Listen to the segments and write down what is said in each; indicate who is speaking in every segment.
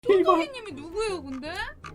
Speaker 1: 쫀득이님이 누구예요 근데?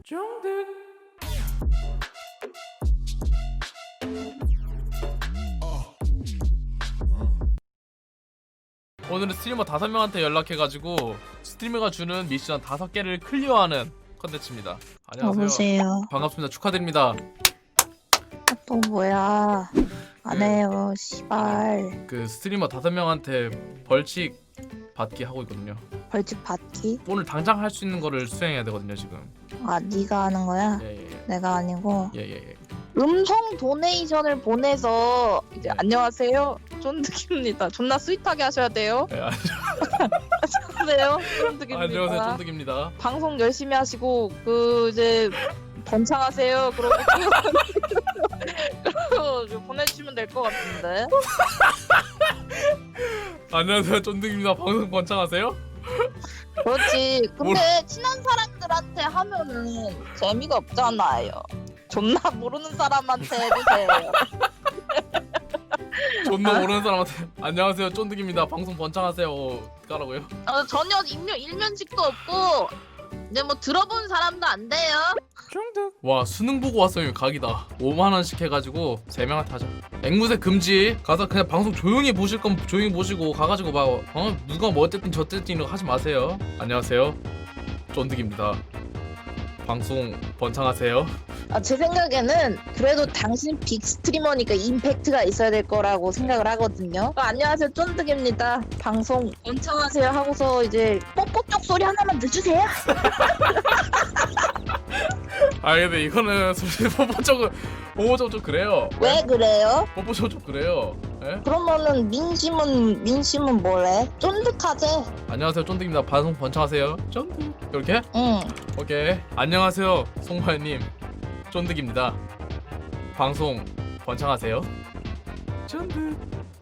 Speaker 2: 오늘은 스트리머 5명한테 연락해가지고 스트리머가 주는 미션 5개를 클리어하는 컨텐츠입니다. 안녕하세요.
Speaker 3: 여보세요.
Speaker 2: 반갑습니다. 축하드립니다.
Speaker 3: 또 뭐야? 안 해요, 씨발.
Speaker 2: 그 스트리머 5명한테 벌칙 받기 하고 있거든요.
Speaker 3: 벌칙 받기?
Speaker 2: 오늘 당장 할 수 있는 거를 수행해야 되거든요 지금.
Speaker 3: 아, 네가 하는 거야?
Speaker 2: 예예예.
Speaker 3: 내가 아니고.
Speaker 2: 예예예.
Speaker 3: 음성 도네이션을 보내서 이제 안녕하세요, 쫀득입니다. 존나 스윗하게 하셔야 돼요.
Speaker 2: 예,
Speaker 3: 안녕하세요, 쫀득입니다.
Speaker 2: 안녕하세요 쫀득입니다.
Speaker 3: 방송 열심히 하시고 그 이제 번창하세요. 그러고 그러고 보내주시면 될 것 같은데.
Speaker 2: 안녕하세요 쫀득입니다. 방송 번창하세요?
Speaker 3: 그렇지. 근데 친한 사람들한테 하면은 재미가 없잖아요. 존나 모르는 사람한테 해주세요.
Speaker 2: 존나 모르는 사람한테 안녕하세요 쫀득입니다. 방송 번창하세요 까라고요?
Speaker 3: 전혀 일면식도 없고 이제 뭐 들어본 사람도 안 돼요.
Speaker 2: 와 수능 보고 왔으면 각이다. 5만원씩 해가지고 3명한테 하자. 앵무새 금지. 가서 그냥 방송 조용히 보실 건 조용히 보시고 가가지고 막 누가 뭐 어쨌든 저쨌든 이런 거 하지 마세요. 안녕하세요 쫀득입니다. 방송 번창하세요.
Speaker 3: 제 생각에는 그래도 당신 빅 스트리머니까 임팩트가 있어야 될 거라고 생각을 하거든요. 안녕하세요 쫀득입니다. 방송 원창하세요 하고서 이제 뽀뽀 쪽 소리 하나만 넣어주세요.
Speaker 2: 아 근데 이거는 솔직히 뽀뽀쪽은 좀 그래요.
Speaker 3: 왜 그래요?
Speaker 2: 뽀뽀쪽 좀 그래요. 예?
Speaker 3: 그러면은 민심은 뭐래? 쫀득하지?
Speaker 2: 안녕하세요 쫀득입니다. 방송 번창하세요. 쫀득 이렇게?
Speaker 3: 응.
Speaker 2: 오케이. 안녕하세요 송마님 쫀득입니다. 방송 번창하세요. 쫀득.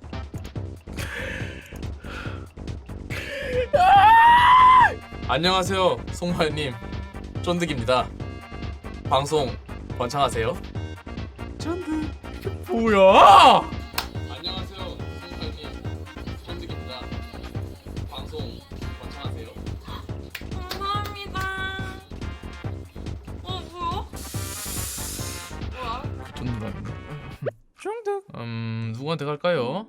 Speaker 2: 안녕하세요 송마님 쫀득입니다. 방송 번창하세요. 쫀득. 이게 뭐야? 안녕하세요 송마님 쫀득입니다. 방송 번창하세요.
Speaker 1: 감사합니다. 뭐야?
Speaker 2: 쫀득하겠네. 쫀득. 누구한테 갈까요?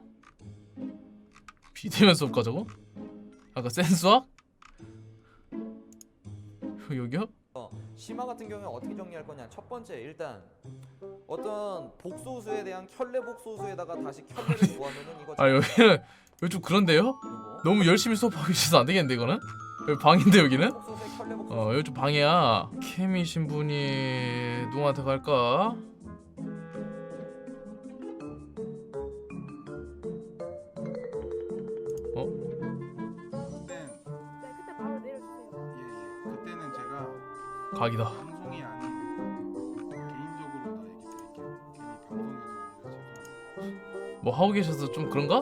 Speaker 2: 비대면 수업 가자고? 아까 센수학? 여기요?
Speaker 4: 심화 같은 경우에 어떻게 정리할 거냐? 첫 번째 일단 어떤 복소수에 대한 켤레 복소수에다가 다시 켤레를 구하면은 이거
Speaker 2: 아 여기는 여기 좀 그런데요?
Speaker 4: 그리고
Speaker 2: 너무 열심히 수업하고 계셔서 안 되겠는데 이거는? 여기 방인데 여기는?
Speaker 4: 복소수에 켤레 복소수
Speaker 2: 여기 좀 방이야. 캠이신 분이 누구한테 갈까?
Speaker 5: 네,
Speaker 6: 그때 바로 내려주세요.
Speaker 5: 예. 그때는 제가
Speaker 2: 각이다.
Speaker 5: 방송이 아닌 개인적으로 다 얘기 드릴게요. 괜히 방송에서 오히려 죄송합니다.
Speaker 2: 뭐 하고 계셔서 좀 그런가?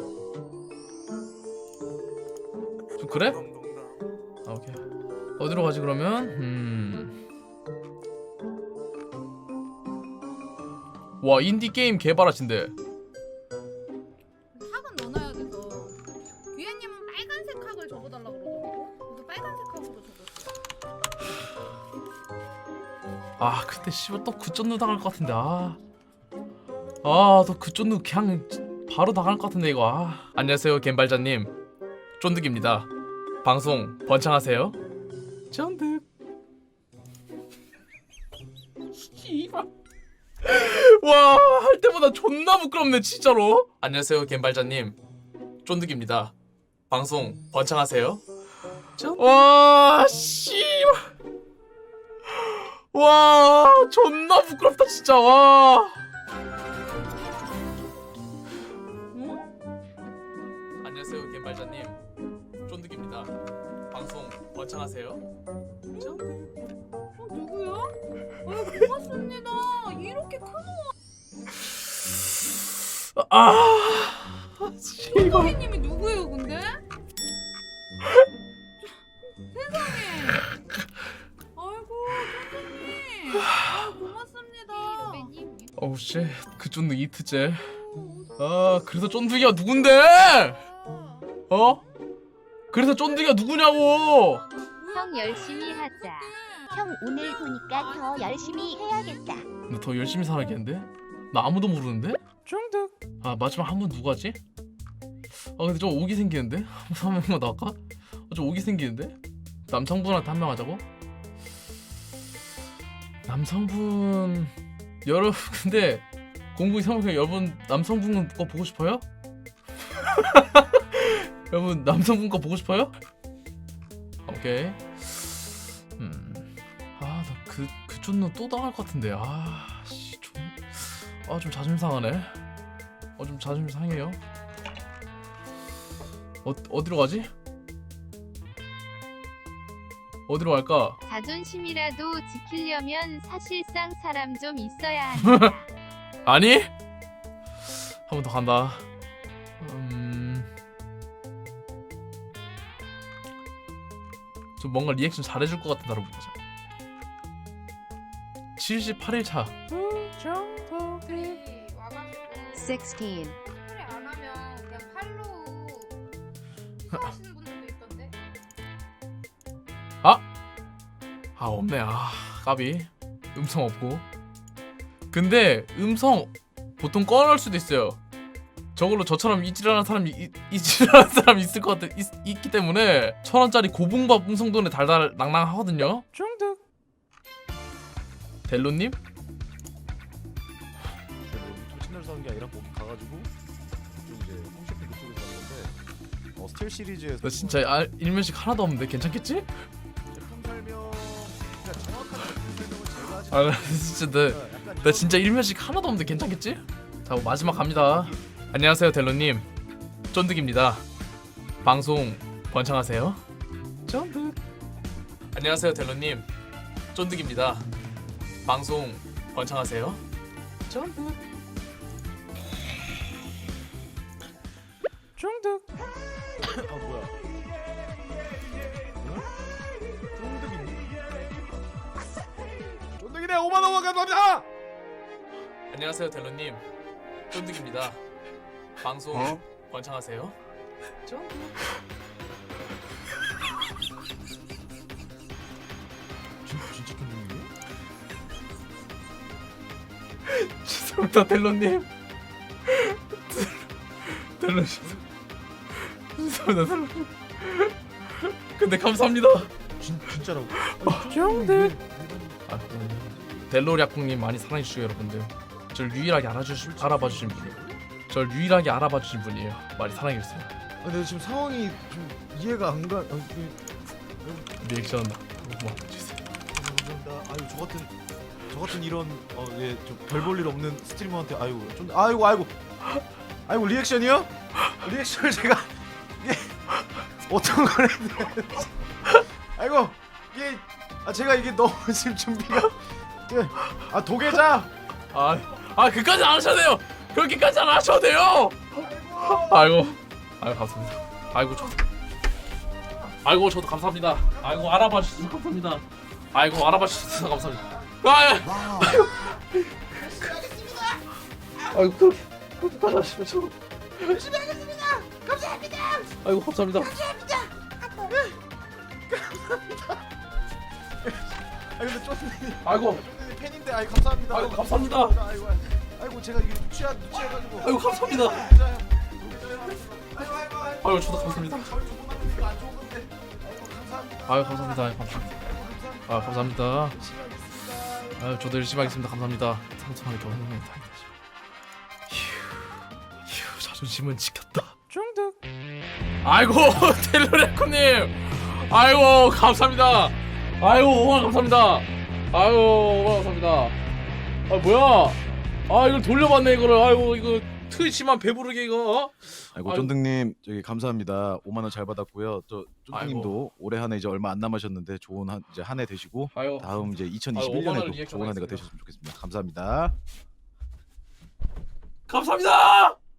Speaker 2: 좀 그래? 아 오케이. 어디로 가지 그러면? 와 인디 게임 개발하신대.
Speaker 1: 학은 넣어놔야 돼서 귀애님은 빨간색 학을 적어달라고 그러더라고. 그래서 빨간색 학으로 적었어.
Speaker 2: 아 근데 씨발 또 그쫀누 당할 것 같은데 아또 그쫀누 그냥 바로 당할 것 같은데 이거 안녕하세요 갬발자님 쫀득입니다. 방송 번창하세요. 쫀득. 씨발 와 할 때마다 존나 부끄럽네 진짜로. 안녕하세요 갬발자님 쫀득입니다. 방송 번창하세요. 와 씨발 와 존나 부끄럽다 진짜. 와 안녕하세요 갬발자님 쫀득입니다. 방송 번창하세요.
Speaker 1: 누구야? 고맙습니다. 이렇게 큰
Speaker 2: 씨발
Speaker 1: 쫀득이님이 누구예요 근데? 세상에. 아이고 쫀득님. 고맙습니다.
Speaker 2: 어우 쉣그 쫀득 이트째. 그래서 쫀득이가 누군데? 그래서 쫀득이가 누구냐고.
Speaker 6: 형 열심히
Speaker 7: 하자. 형 오늘 보니까 더 열심히 해야겠다.
Speaker 2: 나 더 열심히 살아야겠는데? 나 아무도 모르는데? 중득. 아 마지막 한 분 누가지? 아 근데 좀 오기 생기는데? 한 명만 나갈까? 좀 오기 생기는데? 남성분한테 한 명 하자고? 남성분 여러분 근데 공부 이상하게 여러분 남성분 거 보고 싶어요? 여러분 남성분 거 보고 싶어요? 오케이. 나 그 쫀는 또 당할 것 같은데. 좀 자존심 상하네. 좀 자존심 상해요. 어디로 가지? 어디로 갈까?
Speaker 7: 자존심이라도 지키려면 사실상 사람 좀 있어야 한다.
Speaker 2: 아니? 한 번 더 간다. 좀 뭔가 리액션 잘해줄 것 같은 사람 보자. 78일 차.
Speaker 1: 들이 와가지고
Speaker 7: 16.
Speaker 1: 소리 안 하면 그냥 팔로우 하시는 분들도 있던데.
Speaker 2: 없네. 까비. 음성 없고. 근데 음성 보통 꺼놓을 수도 있어요. 저걸로 저처럼 이질하는 사람이 이질하는 사람이 있을 것 같아 있기 때문에 1,000원짜리 고봉밥 음성돈에 달달 낭낭하거든요. 중득. 델로님?
Speaker 8: 토치널 사는 게 아니라 거기 가가지고 좀 이제 홈쇼핑 그쪽에서 하는 건데 스틸 시리즈에서
Speaker 2: 너 진짜 일면식 하나도 없는데 괜찮겠지?
Speaker 8: 제품 설명 그러니까 정확한 제품 설명을 제가 하지
Speaker 2: 나 진짜 나 진짜 일면식 하나도 없는데 괜찮겠지? 자 마지막 갑니다. 안녕하세요 델로님, 쫀득입니다. 방송 번창하세요. 쫀득. 안녕하세요 델로님, 쫀득입니다. 방송 번창하세요. 쫀득. 쫀득.
Speaker 8: 뭐야 쫀득이네 5만원 감사합니다.
Speaker 2: 안녕하세요 델로님, 쫀득입니다. 방송 번창하세요. 쫀득.
Speaker 8: 진짜 쫀득이네.
Speaker 2: 죄송합니다 델로님. 델로님 죄송합니다 델로님. 근데 감사합니다.
Speaker 8: 진짜라고?
Speaker 2: 쫀득. 델로략국님 많이 사랑해주시고 여러분들 저를 유일하게 알아봐주신 분이에요. 저를 유일하게 알아봐주신 분이에요. 많이 사랑해주세요.
Speaker 8: 근데 지금 상황이 좀 이해가 안 가.
Speaker 2: 리액션 고마워주세요.
Speaker 8: 감사합니다. 저 같은 이런 별 볼 일 없는 스트리머한테 아이고 리액션이요? 리액션을 제가 이게 어떤 걸 했는데 아이고 이게 제가 이게 너무 지금 준비가 도계자
Speaker 2: 그까지 안 하셔도 돼요. 그렇게까지 안 하셔도 돼요. 아이고 감사합니다. 저도 감사합니다. 알아봐 주셔서 감사합니다. 알아봐 주셔서 감사합니다. 그렇게까지 하시면 저 열심히 하겠습니다. 감사합니다. 감사합니다.
Speaker 8: 근데 쫀득이
Speaker 2: 아이고
Speaker 8: 팬인데 감사합니다.
Speaker 2: 감사합니다.
Speaker 8: 아이고 제가 이게 누취해가지고
Speaker 2: 감사합니다. 저도 감사합니다. 감사합니다. 저도 열심히 하겠습니다. 감사합니다. 상처하게 더 행복하게 다행이다. 휴, 자존심은 지켰다. 중득. 텔로레코님. 감사합니다. 5만 감사합니다. 5만 감사합니다. 뭐야? 이걸 돌려받네 이거를. 이거 트위치만 배부르게 이거.
Speaker 8: 쫀득님 저기 감사합니다. 5만 원 잘 받았고요. 저 쫀득님도 올해 한 해 이제 얼마 안 남으셨는데 좋은 한 해 되시고 다음 이제 2021년에도 좋은 한 해가 되셨으면 좋겠습니다. 감사합니다.
Speaker 2: 감사합니다.